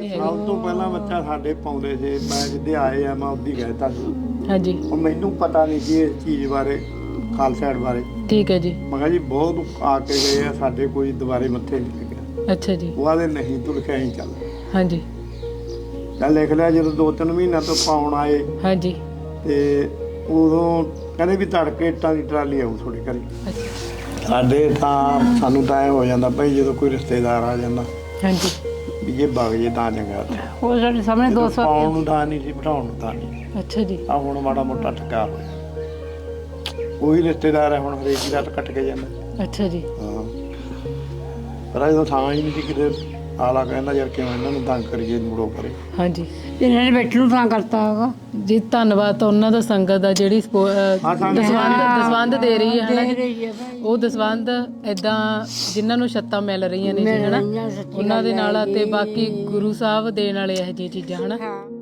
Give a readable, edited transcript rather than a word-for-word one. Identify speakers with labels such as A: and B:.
A: ਨਹੀਂ ਹੈਗੇ।
B: ਸਭ ਤੋਂ ਪਹਿਲਾਂ ਬੱਚਾ ਸਾਡੇ ਪਾਉਂਦੇ ਸੀ, ਮੈਂ ਜਿੱਦੇ ਆਏ ਆ ਮੈਂ ਉਦੋਂ ਕਹਿਤਾ ਸੀ।
A: ਹਾਂਜੀ
B: ਉਹ ਮੈਨੂੰ ਪਤਾ ਨਹੀਂ ਸੀ ਇਸ ਚੀਜ਼ ਬਾਰੇ, ਖਾਲਸਾ ਏਡ ਬਾਰੇ।
A: ਠੀਕ ਹੈ ਜੀ।
B: ਮੈਂ ਕਿਹਾ ਜੀ ਬਹੁਤ ਆ ਕੇ ਗਏ ਆ, ਸਾਡੇ ਕੋਈ ਦੁਬਾਰੇ ਮੱਥੇ ਨਹੀਂ ਲੱਗਿਆ।
A: ਅੱਛਾ ਜੀ।
B: ਉਹ ਆਦੇ ਨਹੀਂ ਤੂੰ ਲਿਖਿਆ ਹੀ ਚੱਲ।
A: ਹਾਂਜੀ
B: ਚੱਲ ਲਿਖ ਲਿਆ। ਜਦੋਂ 2-3 ਮਹੀਨਿਆਂ ਤੋਂ ਪਾਉਣ ਆਏ
A: ਹਾਂਜੀ।
B: ਤੇ ਉਦੋਂ ਕਹਿੰਦੇ ਵੀ ਤੜਕੇ ਇੱਟਾਂ ਦੀ ਟਰਾਲੀ ਆਊ ਤੁਹਾਡੇ ਘਰੇ।
A: ਅੱਛਾ
B: ਸਾਡੇ ਤਾਂ ਸਾਨੂੰ ਤਾਂ ਐਂ ਹੋ ਜਾਂਦਾ ਭਾਈ ਜਦੋਂ ਕੋਈ ਰਿਸ਼ਤੇਦਾਰ ਆ ਜਾਂਦਾ
A: ਹਾਂਜੀ।
B: ਵੀ ਜੇ ਵਗ ਜੇ ਤਾਂ ਚੰਗਾ।
C: ਉਹ ਸਾਡੇ ਸਾਹਮਣੇ
B: ਜਦੋਂ
C: 200
B: ਪਾਉਣ ਨੂੰ ਤਾਂ ਨਹੀਂ ਸੀ, ਬਿਠਾਉਣ ਨੂੰ ਤਾਂ ਨਹੀਂ।
A: ਅੱਛਾ ਜੀ।
B: ਆ ਹੁਣ ਮਾੜਾ ਮੋਟਾ ਟਕਾ ਹੋਇਆ, ਉਹੀ ਰਿਸ਼ਤੇਦਾਰ ਹੈ ਹੁਣ ਹਰੇਕ ਦੀ ਰਾਤ ਕੱਟ ਕੇ ਜਾਂਦਾ।
A: ਅੱਛਾ ਜੀ।
B: ਹਾਂ ਪਰ ਜਦੋਂ ਥਾਂ ਹੀ ਨਹੀਂ ਸੀ ਕਿਤੇ, ਆਲਾ ਕਹਿੰਦਾ ਯਾਰ ਕਿਉਂ ਇਹਨਾਂ ਨੂੰ ਤੰਗ ਕਰੀਏ, ਮੁੜੋ ਕਰੇ।
A: ਹਾਂਜੀ
C: ਇਹਨਾਂ ਨੇ ਬੈਠਣ ਨੂੰ ਤਾਂ ਕਰਤਾ ਹੈਗਾ।
A: ਜੀ ਧੰਨਵਾਦ ਤਾਂ ਉਹਨਾਂ ਦਾ ਸੰਗਤ ਦਾ ਜਿਹੜੀ ਦਸਵੰਧ ਦੇ ਰਹੀ ਹੈ ਹਨਾ ਜੀ। ਉਹ ਦਸਵੰਧ ਇਦਾਂ ਜਿਨ੍ਹਾਂ ਨੂੰ ਛੱਤਾਂ ਮਿਲ ਰਹੀਆਂ ਨੇ ਜੀ ਹਨਾ, ਉਹਨਾਂ ਦੇ ਨਾਲ ਤੇ ਬਾਕੀ ਗੁਰੂ ਸਾਹਿਬ ਦੇਣ ਵਾਲੇ ਇਹੋ ਜਿਹੀਆਂ ਚੀਜ਼ਾਂ ਹਨਾ।